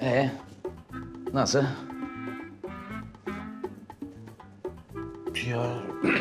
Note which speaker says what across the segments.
Speaker 1: Nasıl?
Speaker 2: Ya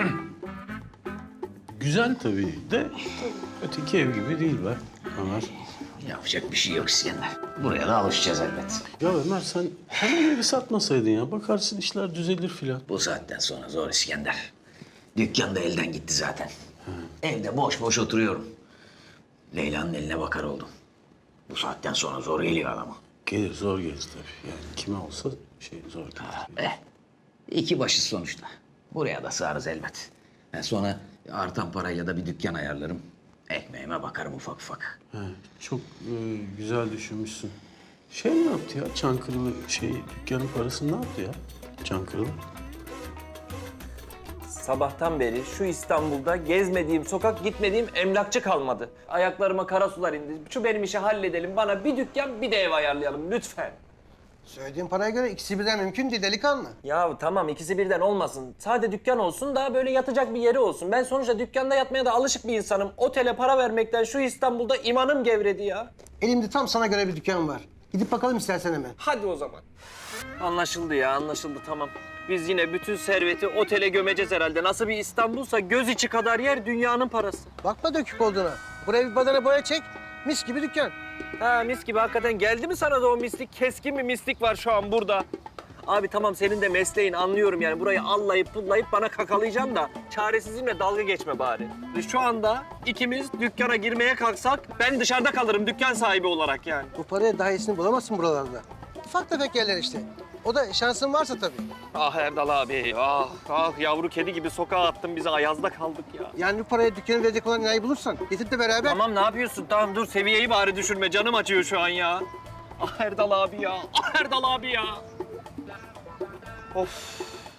Speaker 2: güzel tabii de öteki ev gibi değil be Ömer.
Speaker 1: Yapacak bir şey yok İskender. Buraya da alışacağız elbet.
Speaker 2: Ya Ömer sen hemen evi satmasaydın ya. Bakarsın işler düzelir filan.
Speaker 1: Bu saatten sonra zor İskender. Dükkan da elden gitti zaten. Evde boş boş oturuyorum. Leyla'nın eline bakar oldum. Bu saatten sonra zor geliyor adama.
Speaker 2: Gelir zor gelir tabii. Yani kime olsa zor gelir.
Speaker 1: İki başı sonuçta. Buraya da sığarız elbet. Sonra artan parayla da bir dükkan ayarlarım. Ekmeğime bakarım ufak ufak.
Speaker 2: He, çok güzel düşünmüşsün. Ne yaptı ya? Çankırılı dükkanın parasını ne yaptı ya? Çankırılı.
Speaker 3: Sabahtan beri şu İstanbul'da gezmediğim sokak, gitmediğim emlakçı kalmadı. Ayaklarıma kara sular indi. Şu benim işi halledelim. Bana bir dükkan, bir de ev ayarlayalım lütfen.
Speaker 4: Söylediğin paraya göre ikisi birden mümkün değil delikanlı.
Speaker 3: Ya tamam ikisi birden olmasın. Sadece dükkan olsun da böyle yatacak bir yeri olsun. Ben sonuçta dükkanda yatmaya da alışık bir insanım. Otele para vermekten şu İstanbul'da imanım gevredi ya.
Speaker 4: Elimde tam sana göre bir dükkan var. Gidip bakalım istersen hemen.
Speaker 3: Hadi o zaman. Anlaşıldı ya, anlaşıldı tamam. Biz yine bütün serveti otele gömeceğiz herhalde. Nasıl bir İstanbul'sa göz içi kadar yer dünyanın parası.
Speaker 4: Bakma dökük olduğuna. Buraya bir badana boya çek. Mis gibi dükkan.
Speaker 3: Ha mis gibi hakikaten geldi mi sana da o mislik? Keskin bir mislik var şu an burada. Abi tamam senin de mesleğin anlıyorum yani. Burayı allayıp pullayıp bana kakalayacaksın da çaresizliğimle dalga geçme bari. Şu anda ikimiz dükkana girmeye kalksak ben dışarıda kalırım dükkan sahibi olarak yani.
Speaker 4: Bu paraya daha iyisini bulamazsın buralarda. Ufak tefek yerler işte. O da şansın varsa tabii.
Speaker 3: Ah Erdal abi, ah yavru kedi gibi sokağa attın bizi, ayazda kaldık ya.
Speaker 4: Yani bu paraya dükkanı verecek olan inayı bulursan getir de beraber.
Speaker 3: Tamam ne yapıyorsun? Tamam dur seviyeyi bari düşürme. Canım acıyor şu an ya. Ah Erdal abi ya. Ah Erdal abi ya. Of.